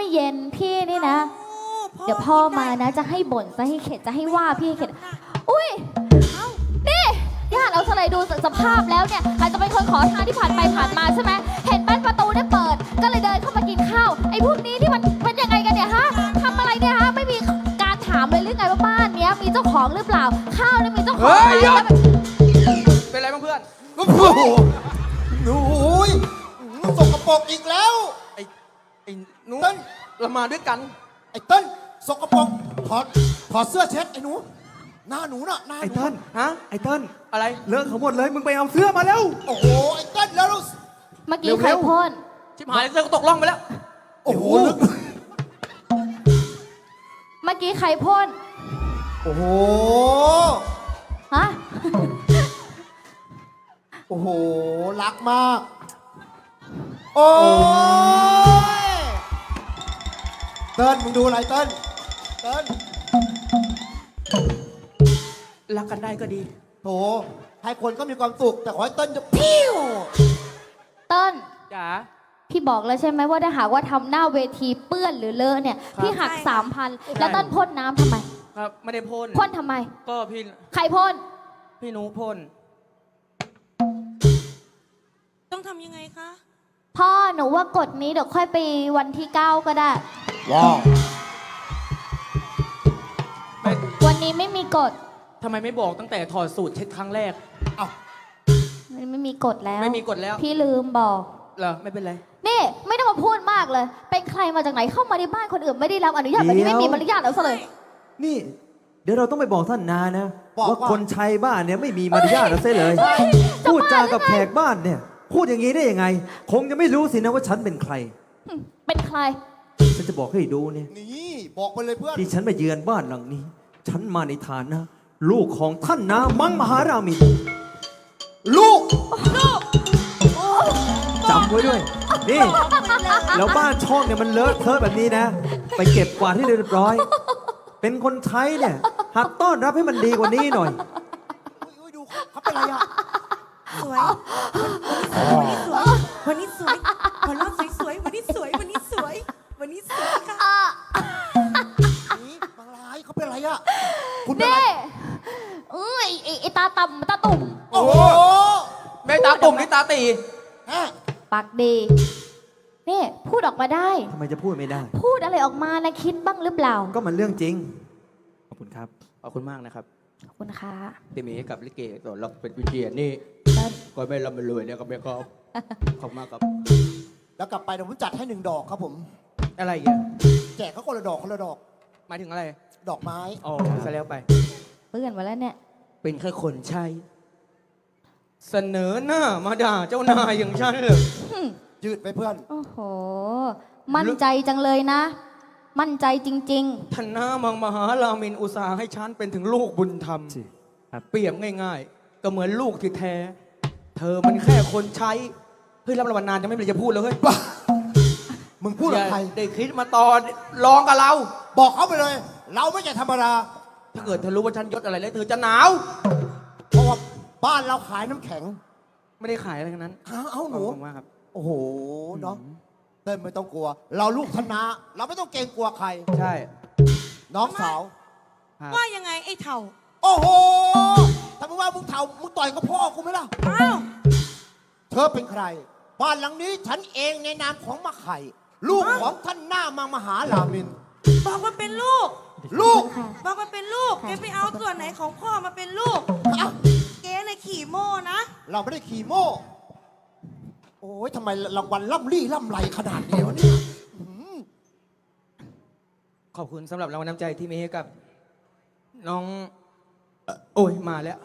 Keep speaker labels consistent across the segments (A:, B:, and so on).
A: เย็นพี่นี่นะเดี๋ยวพ่อมานะจะให้บ่นจะให้เข็ดจะให้ว่าพี่ให้เข็ดอุ้ยนี่ญาติเอาสไลด์ดูสภาพแล้วเนี่ยอาจจะเป็นคนขอทานที่ผ่านไปผ่านมาใช่ไหมเห็นบ้านประตูเนี่ยเปิดก็เลยเดินเข้ามากินข้าวไอ้พวกนี้ที่มันเป็นยังไงกันเนี่ยฮะทำอะไรเนี่ยฮะไม่มีการถามเลยหรือไงว่าบ้านเนี้ยมีเจ้าของหรือเปล่าข้าวเนี่ยมีเจ้าของไหมแล้วแบบ
B: เป็นไรบ้างเพื่อน
C: โอ้โหหนูสกปรกอีกแล้ว
B: ไอ้หนู
C: เติ้ล
B: เรามาด้วยกัน
C: ไอ้เติ้ลสกปรกถอดเสื้อเช็ดไอ้หนูหน้าหนูน่ะหน้าห
D: ไอ้
C: นู
D: เติ้ล
B: ฮะ
D: ไอ้เติ้ล
B: อะไร
D: เลอะเขาหมดเลยมึงไปเอาเสื้อมาแล้ว
C: โอ้โหไอ้เติ้ลแล้วเรา
A: เมื่อกี้ใครพ่น
B: ชิบหายเสื้อก็ตกล่องไปแล้ว
C: โอ้โหลึก
A: เมื่อกี้ใครพ่น
C: โอ้โห
A: ฮะ
C: โอ้โหรักมากโอ้ยเติ้ลมึงดูอะไรเติ้ล
B: รักกันได้ก็ดี
C: โถให้คนก็มีความสุขแต่ขอให้เติ้ลจะพิ้ว
A: เติ้ล
B: จ๋า
A: พี่บอกแล้วใช่ไหมว่าถ้าหากว่าทำหน้าเวทีเปื้อนหรือเลอะเนี่ยพี่หัก 3,000แล้วเติ้ลพ่นน้ำทำไม
B: ครับไม่ได้พ่น
A: พ่นทำไม
B: ก็พี่
A: ใครพ่น
B: พี่หนูพ่น
E: ต้องทำยังไงคะ
A: พ่อหนูว่ากฎนี้เดี๋ยวค่อยไปวันที่ 9 ก็ได้
C: ว้าว
B: ไม่
A: วันนี้ไม่มีกฎ
B: ทำไมไม่บอกตั้งแต่ถอดสูตรเช็ดครั้งแรก
C: เอ้า
A: ไม่มีกฎแล้ว
B: ไม่มีกฎแล้ว
A: พี่ลืมบอก
B: เหรอไม่เป็นไร
A: นี่ไม่ต้องมาพูดมากเลย เป็นใครมาจากไหนเข้ามาในบ้านคนอื่นไม่ได้รับอนุญาตแบบนี้ไม่มีมารยาทแล้วซะเลย
D: นี่ เดี๋ยวเราต้องไปบอกท่านนานะว่าคนใช้บ้านเนี่ยไม่มีมารยาทเราเสียเลย พูดจากับแขกบ้านเนี่ย พูดอย่างนี้ได้ยังไง คงจะไม่รู้สินะว่าฉันเป็นใคร
A: เป็นใคร
D: ฉันจะบอกให้ดูเนี่ย
C: นี่บอกไปเลยเพื่อน
D: ที่ฉันมาเยือนบ้านหลังนี้ ฉันมาในฐานะ ลูกของท่านนามังมหารามิน
C: ลูก
D: จำไว้ด้วย นี่ แล้วบ้านช่องเนี่ยมันเลอะเทอะแบบนี้นะ ไปเก็บกวาดให้เรียบร้อย เป็นคนใช้เนี่ยหัดต้อนรับให้มันดีกว่านี้หน่อย
C: อุ้ยดูเขาเป็นไรอ่ะ
E: สวย วันนี้สวย วันนี้สวยวันนี้สวยวันนี้สวย วันนี้สวย วันนี้สวยค่ะ
C: นี่บางรายเขาเป็นไรอ่ะคุณเป็นไร
A: นี่ไอ้ตาต่ำตาตุ่ม
C: โอ้โห
B: แม่ตาตุ่มนี่ตาตี
C: ฮะ
A: ปากดีนี่พูดออกมาได้
D: ทำไมจะพูดไม่ได้
A: พูดอะไรออกมานะคิดบ้างหรือเปล่า
D: ก็มันเรื่องจริง ขอบคุณครับ
B: ขอบคุณมากนะครับ
A: ขอบคุณค่ะ
B: ที่มีให้กับลิเกต่อเราเป็นวิเชียรนี่
A: เติ้ล
B: ก็ไม่ร่ำรวยเนี่ยก็ไม่ก็ขอบคุณมากครับ
C: แล้วกลับไปเดี๋ยวผมจัดให้1 ดอกครับผม
B: อะไรอีกอ่ะ
C: แจกเขาคนละดอกคนละดอก
B: หมายถึงอะไร
C: ดอกไม้
B: อ๋อซะแล้วไป
A: เพื่อนมาแล้วเนี่ย
B: เป็นแค่คนใช้ เสนอหน้ามาด่าเจ้านายอย่างฉันเหรอ
C: ยืดไปเพื่อน
A: โอ้โห มั่นใจจังเลยนะ มั่นใจจริง
B: ท่านหน้ามังมหารามินอุตสาห์ให้ฉันเป็นถึงลูกบุญธรรม
D: สิครับ
B: เปรียบง่ายๆ ก็เหมือนลูกที่แท้ เธอมันแค่คนใช้ เฮ้ยรับรางวัลนานจะไม่เป็นไรจะพูดเลยเฮ้ย
C: มึงพูดกับใคร
B: อย่าได้คิดมาตอนร้องกับเรา
C: บอกเขาไปเลย เราไม่ใช่ธรรมดา
B: ถ้าเกิดเธอรู้ว่าฉันยศอะไรแล้วเธอจะหนาว
C: เพราะว่าบ้านเราขายน้ำแข็ง
B: ไม่ได้ขายอะไรทั้งนั้น
C: เอาหนู
B: ขอบคุณมากครับ
C: โอ้โหน้องเต้นไม่ต้องกลัว เราลูกธนา เราไม่ต้องเกรงกลัวใคร
B: ใช่
C: น้องสาว
B: ครับ
E: ว่ายังไงไอ้เถ่า
C: โอ้โหถ้ามึงว่ามึงเถ่ามึงต่อยกับพ่อกูไหมล่ะ
E: อ้าว
C: เธอเป็นใคร บ้านหลังนี้ฉันเองในนามของมะไข่ ลูกของท่านหน้ามังมหารามิน
E: บอกว่าเป็นลูก
A: ๆ
C: ลูก
A: ค่ะ
E: บอกว่าเป็นลูก แกไปเอาส่วนไหนของพ่อมาเป็นลูก
C: เอ้า
E: แกน่ะขี่โม่นะ
C: เราไม่ได้ขี่โม่ โอ้ยทำไมรางวัลล่ำลี่ล่ำไรขนาดนี้วะเนี่ย
B: ขอบคุณสำหรับรางวัลน้ำใจที่มีให้กับ น้องโอ้ยมาแล้ว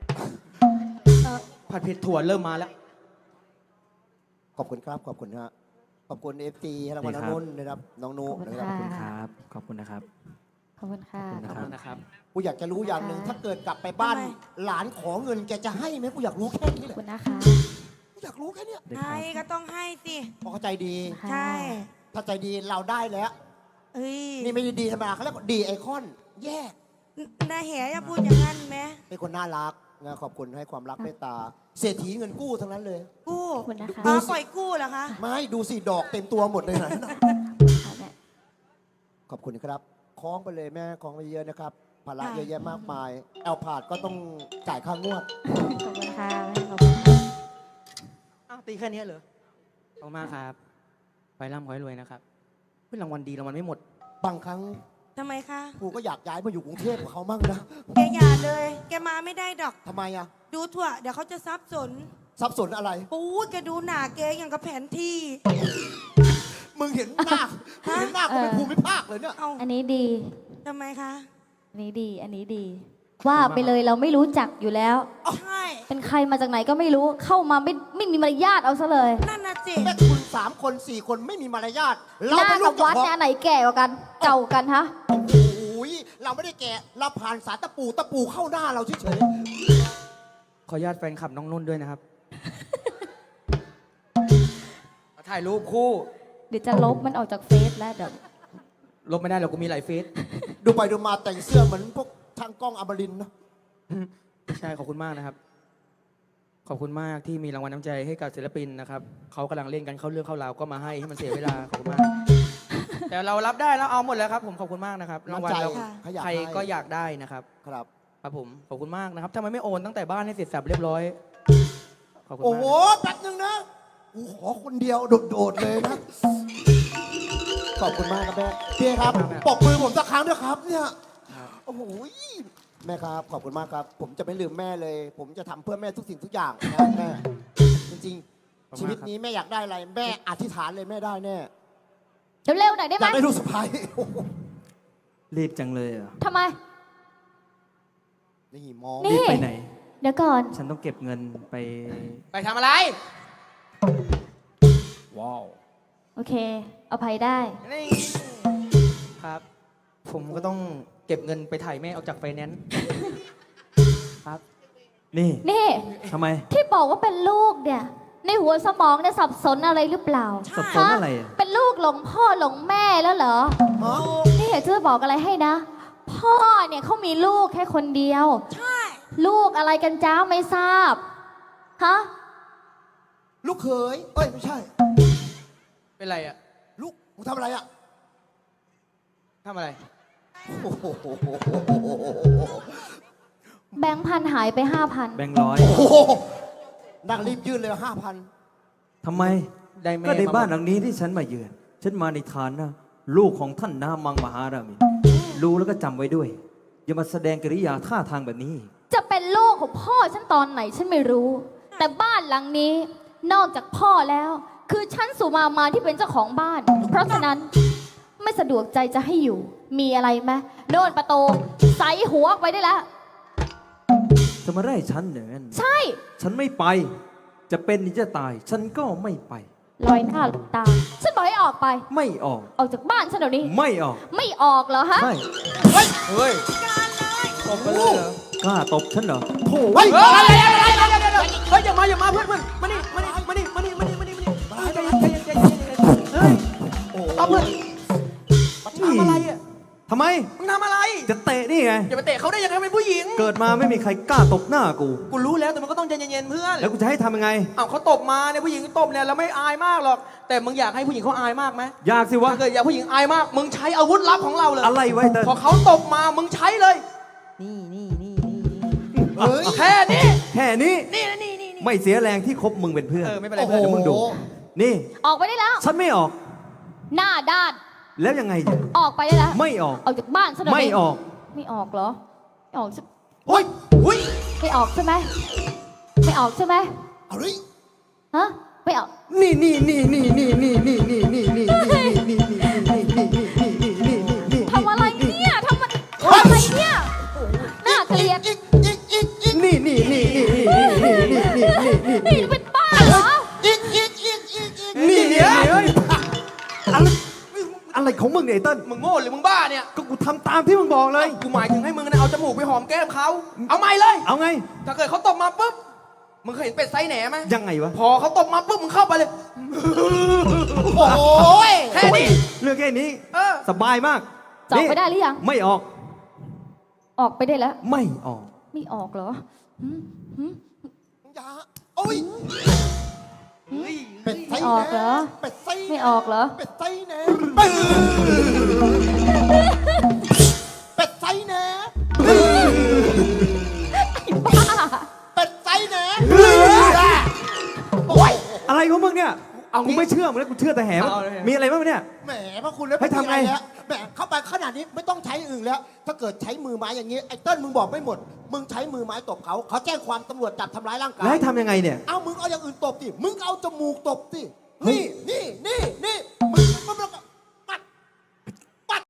B: ผัดเผ็ดถั่วเริ่มมาแล้ว
C: ขอบคุณครับ ขอบคุณฮะขอบคุณเอฟซีรางวัล
D: นี่ครับ
C: นุ่นนะครับ น้องนุ
A: ขอบคุณ
C: นะครับ
D: ขอบคุณ
A: ค่ะ
D: ครับ ขอบคุณนะครับ
A: ขอบคุณค่ะ
D: ขอบคุณ
B: ขอบคุณนะครับ
C: กูอยากจะรู้อย่างหนึ่ง ถ้าเกิดกลับไปบ้าน
E: ทำไม
C: หลานขอเงินแกจะให้ไหมกูอยากรู้แค่นี้
A: ข
C: แห
A: อบ
C: ละ
A: คุณนะคะ
C: กูอยากรู้แค่เนี้ย
D: ได้ค
E: ให้
D: รับ
E: ก็ต้องให้สิ
C: พอเข้าใจดี
E: ใช่
C: ถ้าใจดีเราได้แล้ว
E: เอ้ย
C: นี่ไม่ได้ดีธรรมดาเขาเรียกว่าดีไอคอน แยก
E: นาแหอย่าพูดอย่างนั้นไหม
C: เป็นคนน่ารักนะขอบคุณให้ความรักเมตตา เศรษฐีเงินกู้ทั้งนั้นเลย
E: กู้
A: ขอบคุณนะคะ
E: อ๋อปล่อยกู้เหรอคะ
C: ไม่ดูสิดอกเต็มตัวหมดเลยนะ
A: ค่ะเนี่ย
C: ขอบคุณครับคล้องไปเลยแม่คล้องไปเยอะนะครับภาระ
E: ค่ะ
C: เยอะแยะมากมายแอลพาดก็ต้องจ่ายค่างวด
E: ขอบคุณค่ะขอบคุณค่ะ
B: อ้าวตีแค่นี้เหรอขอบคุณมากครับไปร่ำขอให้รวยนะครับเฮ้ยรางวัลดีรางวัลไม่หมด
C: บางครั้ง
E: ทำไมคะ
C: กูก็อยากย้ายมาอยู่กรุงเทพกับเขามั่งนะ
E: แกอย่าเลย แกมาไม่ได้ดอก
C: ทำไมอ่ะ
E: ดูถั่วเดี๋ยวเขาจะซับสน
C: สับสนอะไร
E: ปู๊ดแกดูหนาแกอย่างกับแผนที่
C: มึงเห็นหน้ามึงเห็นหน้ากูเป็นภูมิภาคเลยเนี่ย
E: เอา
A: อันนี้ดี
E: ทำไมคะ
A: อันนี้ดี อันนี้ดี ว่าไปเลยเราไม่รู้จักอยู่แล้ว
E: ใช่
A: เป็นใครมาจากไหนก็ไม่รู้ เข้ามาไม่มีมารยาทเอาซะเลย
E: นั่นน่ะสิ
C: แม่คุณ3 คน 4 คนไม่มีมารยาท
A: ห
C: เรา
A: น้า
C: เป็นลู
A: กับ
C: กเจ้า
A: วัด
C: ของ
A: เนี่ยอันไหนแก่กว่ากัน เก่ากันฮะ
C: โอ้โหเราไม่ได้แกะเราผ่านสารตะปูเข้าหน้าเราเฉย
B: ขออนุญาตแฟนคลับน้องนุ่นด้วยนะครับ ถ่ายรูปคู่
A: เดี๋ยวจะลบมันออกจากเฟซแล้วเดี๋ยว
B: ลบไม่ได้หรอกกูมีหลายเฟซ
C: ๆดูไปดูมาแต่งเสื้อเหมือนพวกทางกล้องอมรินทร์เนอะ
B: ใช่ขอบคุณมากนะครับ ขอบคุณมากที่มีรางวัลน้ำใจให้กับศิลปินนะครับเขากำลังเล่นกันเข้าเรื่องเข้าราวก็มาให้มันเสียเวลาขอบคุณมาก แต่เรารับได้แล้วเอาหมดแล้วครับ ผมขอบคุณมากนะครับรางวัลเรา
C: เขาอยาก
B: ใคร
C: ให้
B: ก็อยากได้นะครับ
C: ครับ
B: ครับผมขอบคุณมากนะครับทำไมไม่โอนตั้งแต่บ้านให้เสร็จสับเรียบร้อยขอบคุณ
C: โอ้
B: มาก
C: โห แป๊บนึงนะกูขอคนเดียวโดดๆเลยนะ ขอบคุณมากครับแม่พี่ครับปรบมือผมสักครั้งด้วยครับเนี่ย โอ้โหแม่ครับ ขอบคุณมากครับ ผมจะไม่ลืมแม่เลย ผมจะทำเพื่อแม่ทุกสิ่งทุกอย่างนะแม่ จริงๆ ชีวิตนี้แม่อยากได้อะไร แม่อธิษฐานเลยแม่ได้แน่
A: เร็วๆหน่อยได้
C: อ
A: ไหม
C: ยากได้ลูกสะใภ้
D: รีบจังเลยอ่ะ
A: ทำไม
C: นี่มอง
A: นี่
D: รีบไปไหน
A: เดี๋ยวก่อน
D: ฉันต้องเก็บเงินไป
B: ไปทำอะไร
C: ว้าว
A: โอเค เอาภัยได้
B: นี่ครับ ผมก็ต้องเก็บเงินไปถ่ายแม่ออกจากไฟแนนซ์ครับ
D: นี่
A: นี่
D: ทำไม
A: ที่บอกว่าเป็นลูกเนี่ย ในหัวสมองเนี่ยสับสนอะไรหรือเปล่า
D: สับสนอะไรอ่ะ
A: เป็นลูกหลงพ่อหลงแม่แล้วเหรอ
C: ฮะ
A: นี่อยากจะบอกอะไรให้นะ พ่อเนี่ยเขามีลูกแค่คนเดียว
E: ใช่
A: ลูกอะไรกันจ้าไม่ทราบ ฮะ
C: ลูกเขยเอ้ย ไม่ใช่
B: เป็นไรอ่ะ
C: ลูกมึงทำอะไรอ่ะ
B: ทำอะไร
C: โอ้โห
A: แบงค์พันหายไป 5,000
D: แบงค์ร้อย
C: โอ้โหนั่งรีบยื่นเลย5,000
D: ทำไม
B: ได้แม่
D: ก็ใน
B: มา
D: บ้านหลังนี้ที่ฉันมาเยือน ฉันมาในฐานะลูกของท่านนามังมหารามิน รู้แล้วก็จำไว้ด้วย อย่ามาแสดงกิริยาท่าทางแบบนี้
A: จะเป็นลูกของพ่อฉันตอนไหนฉันไม่รู้ แต่บ้านหลังนี้นอกจากพ่อแล้ว คือฉันสุมาที่เป็นเจ้าของบ้าน เพราะฉะนั้นไม่สะดวกใจจะให้อยู่ มีอะไรไหมโน่นประตูใส่หัวออกไปได้แล้ว
D: จะมาไล่ฉันอย่างนั้น
A: ใช่
D: ฉันไม่ไป จะเป็นหรือจะตาย ฉันก็ไม่ไป
A: ลอยหน้าลอยตา ฉันบอกให้ออกไป
D: ไม่ออก
A: ออกจากบ้านฉันเดี๋ยวนี้
D: ไม่ออก
A: ไม่ออกเหรอฮะ
D: ใช่
B: เฮ้ย
E: การเลย
B: ตบกันเลยเหรอก
D: ล้าตบฉันเหรอโถ่
C: เฮ้ย
B: เฮ้ยอะไรเฮ้ยอย่ามาเพื่อนมานี่มานี่ใจเย็นเฮ้ยเอาเพื่อนทำอะไรอ่ะ
D: ทำไม
B: มึงทำอะไร
D: จะเตะนี่ไง
B: อย่าไปเตะเขาได้ยังไงเป็นผู้หญิง
D: เกิดมาไม่มีใครกล้าตบหน้ากู
B: กูรู้แล้วแต่มันก็ต้องใจเย็นๆเพื่อน
D: แล้วกูจะให้ทำยังไง
B: อ้าวเขาตบมาเนี่ยผู้หญิงตบเนี่ยเราไม่อายมากหรอก แต่มึงอยากให้ผู้หญิงเขาอายมากไหม
D: อยากสิวะ
B: ถ้าเกิดอยากผู้หญิงอายมาก มึงใช้อาวุธลับของเราเลย
D: อะไรไว้เติ้ล
B: พอเขาตบมามึงใช้เลย นี่
C: เฮ้ย
B: แค่นี้
D: แค่นี้
B: นี่
D: ไม่เสียแรงที่คบมึงเป็นเพื่อน
B: ไม่เป็นไร
C: โอ้โห
B: เพื่อน
D: เดี๋ยวมึงดู นี่
A: ออกไปได้แล้ว
D: ฉันไม่ออก
A: หน้าด้าน
D: แล้วยังไงเนี่ย
A: ออกไปได้แล้ว
D: ไม่ออก
A: ออกจากบ้านฉันเดี๋ยว
D: ไม่
A: นี้
D: ออก
A: ไม่ออกเหรอ ไม่ออกใช่
C: เฮ้ย
B: อุ้ย
A: ไม่ออกใช่ไหมไม่ออกใช่ไหม
C: เอาเลย
A: ฮะ ไม่ออก
D: นี่
A: ทำอะไรเนี่ยทำอะไรเนี่ยน่าเกลียด
C: อีก
D: นี่
A: นี่เป็นบ้าเหรอ
D: นี่เนี่ยอะไรของมึงเนี่ยไอ้เติ้ล
B: มึงโง่หรือมึงบ้าเนี่ย
D: ก็กูทำตามที่มึงบอกเลย
B: กูหมายถึงให้มึงนะเอาจมูกไปหอมแก้มเขา เอาไม่เลย
D: เอาไง
B: ถ้าเกิดเขาตบมาปุ๊บ มึงเคยเห็นเป็ดไซส์แหนไหม
D: ยังไงวะ
B: พอเขาตบมาปุ๊บมึงเข้าไปเลย
C: โอ้ย
B: แค่นี้
D: เรื่องแค่นี้
B: เออ
D: สบายมาก
A: จะออกไปได้หรือยัง
D: ไม่ออก
A: ออกไปได้แล้ว
D: ไม่ออก
A: ไม่ออกเหรอหืมหืม
C: อย่าโอ้ย เป็ดไส้
A: ไม่ออกเหรอ
C: เป็ดไส้
A: ไม่ออกเหรอ
C: เป็ดไส้แหนแหน
A: บ้า
C: เป็ดไซแหนโอ้ย
D: อะไรของมึงเนี่ย
B: เอางี้
D: กูไม่เชื่อมึงแล้วกูเชื่อแต่แหม
B: เอาเลย
D: มีอะไรบ้างเนี่ย
C: แหมพระคุณแล้ว
D: ให้ทำไง
C: ม่มีอะรแล้วแหมเข้าไปขนาดนี้ไม่ต้องใช้อื่นแล้ว ถ้าเกิดใช้มือไม้อย่างนี้ไอ้เติ้ลมึงบอกไม่หมด มึงใช้มือไม้ตบเขาแจ้งความตำรวจจับทำร้ายร่างกาย
D: แล้วให้ทำยังไงเนี่ย
C: เอามึงเอาอย่างอื่นตบสิมึงเอาจมูกตบสิ
D: เฮ้ย
C: นี่